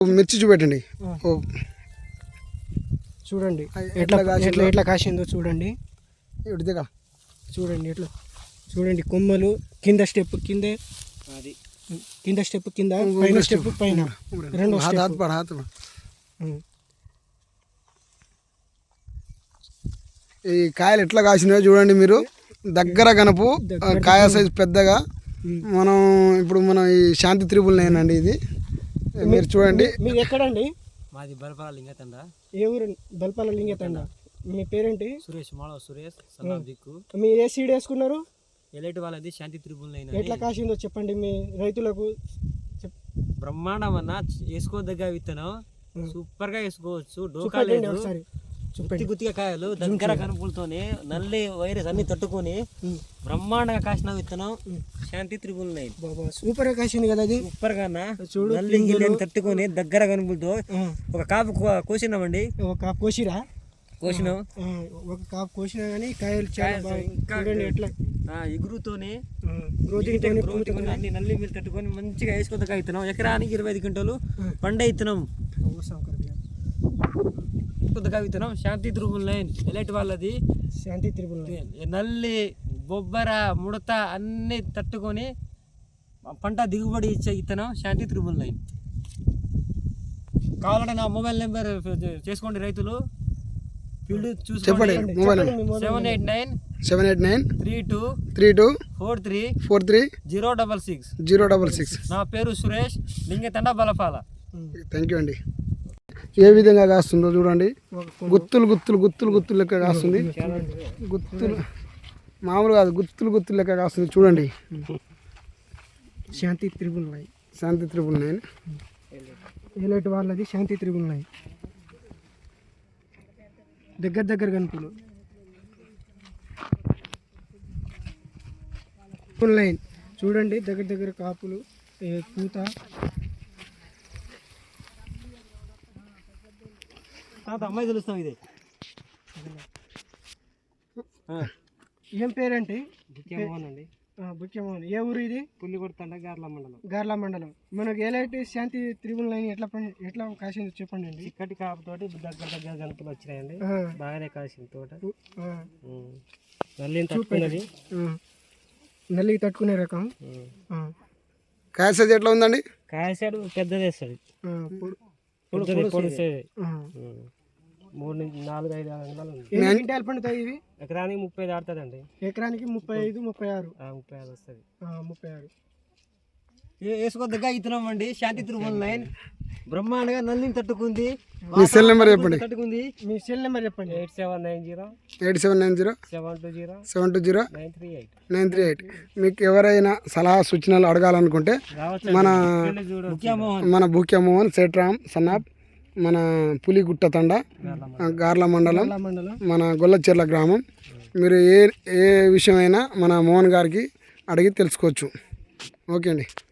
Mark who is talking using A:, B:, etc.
A: మిర్చి చూపెట్టండి.
B: చూడండి ఎట్లా ఎట్లా ఎట్లా కాసిందో చూడండి.
A: ఇదిగా
B: చూడండి ఎట్లా చూడండి. కొమ్మలు కింద స్టెప్ కిందే, అది కింద స్టెప్ కింద, పైన స్టెప్ పైన, రెండు
A: ఈ కాయలు ఎట్లా కాసినాయో చూడండి మీరు. దగ్గర గనపు కాయ సైజు పెద్దగా. మనం ఇప్పుడు మనం ఈ శాంతి త్రిపుల్ నేనండి ఇది. మీరు చూడండి.
B: మీరు ఎక్కడండి?
C: మాది బల్పాల లింగతండ.
B: ఏ ఊరు? బల్పాల లింగతండ. మీ పేరేంటి?
C: సురేష్, మాళవ సురేష్, సన్నాం దిక్కు.
B: మీరు ఏ సీడ్ వేసుకున్నారు?
C: ఎలైట్ వాళ్ళది శాంతి త్రిపుల్ నైన్.
B: ఎట్లా కాసిందో చెప్పండి మీ రైతులకు.
C: బ్రహ్మాండం అన్న, వేసుకోదగ్గ విత్తనం, సూపర్ గా వేసుకోవచ్చు. డోకా లేదు,
B: ఒకసారి
C: గుత్తిగా కాయలు దగ్గర కనుపులతోనే నల్లి వైరస్ అన్ని తట్టుకొని బ్రహ్మాండంగా కాసిన విత్తనం శాంతి త్రిపుల్ నైన్.
B: సూపర్ గా కాసింది కదా అది.
C: సూపర్ గా చూడు, నల్లి గిల్లని తట్టుకొని దగ్గర కనుపులతో ఒక కాపు కోసినామండి.
B: ఒక కాపు కోసిరా?
C: కోసినాం.
B: ఒక కాపు కోసినా కానీ కాయలు చాలా చూడండి ఎట్లా
C: ఎగురుతోనే అన్ని నల్లి మీరు తట్టుకొని మంచిగా వేసుకోదగ్గ విత్తనం. ఎకరానికి 25 క్వింటాలు పండే విత్తనం. కొద్దిగా విత్తనం శాంతి త్రిపుల్ నైన్ ఎలైట్ వాళ్ళది.
B: శాంతి త్రిపుల్ నైన్
C: నల్లి, బొబ్బర, ముడత అన్ని తట్టుకొని పంట దిగుబడి ఇచ్చే విత్తనం శాంతి త్రిపుల్ నైన్. కావాలంటే నా మొబైల్ నెంబర్ చేసుకోండి రైతులు. ఫీల్డ్ చూసి
A: 789-32-43-066.
C: నా పేరు సురేష్, లింగతండ, బలపాల.
A: థ్యాంక్ యూ అండి. ఏ విధంగా కాస్తుందో చూడండి. గుత్తులు గుత్తులు గుత్తులు గుత్తులు లెక్క కాస్తుంది. గుత్తులు మామూలు కాదు, గుత్తులు గుత్తులు లెక్క కాస్తుంది చూడండి.
B: Shanti triple nine.
A: Shanti triple nine
B: elite వాళ్ళది శాంతి త్రిపుల్ నైన్. దగ్గర దగ్గర కనుపులు త్రిపుల్ నైన్ చూడండి. దగ్గర దగ్గర కాపులు, పూత.
C: అమ్మాయి తెలుస్తాం. ఇది
B: ఏం పేరంటే?
C: బుక్యమోహన్ అండి.
B: బుక్యమోహన్. ఏ ఊరు ఇది?
C: పుల్లికొడతండ, గార్ల మండలం.
B: గార్ల మండలం. మనకు ఎలాంటి శాంతి త్రిపుల్ నైన్ ఎట్లా కాసింది చెప్పండి అండి.
C: చిక్కటి కాపుతోటి దగ్గర దగ్గర గనుపులు వచ్చినాయండి. బాగానే కాసింది తోట. నల్లిని తట్టుకున్నది.
B: నల్లి తట్టుకునే రకం.
A: కాయ సైజ్ ఎట్లా ఉందండి?
C: కాయ సైడ్ పెద్దది వేస్తుంది. 3 నుంచి 4, 5 అంగుళాలు ఉంది.
B: ఎన్ని క్వింటాలు పండుతాయి ఇవి?
C: ఎకరానికి 30 దాటుతుందండి.
B: ఎకరానికి 35, 36.
C: 35 వస్తుంది.
B: 36
C: వేసుకోదగ్గ విత్తనం అండి శాంతి త్రిపుల్ నైన్. బ్రహ్మాండంగా నల్లిని తట్టుకుంది.
A: మీ సెల్ నెంబర్ చెప్పండి.
C: తట్టుకుంది.
B: మీ సెల్ నెంబర్ చెప్పండి.
A: 8790-720-938. మీకు ఎవరైనా సలహా సూచనలు అడగాలనుకుంటే మన బుక్యమోహన్ సేట్రామ్ సన్నాబ్, మన పులిగుట్ట తండ, గార్ల మండలం, మన గొల్లచెర్ల గ్రామం. మీరు ఏ విషయమైనా మన మోహన్ గారికి అడిగి తెలుసుకోవచ్చు. ఓకే అండి.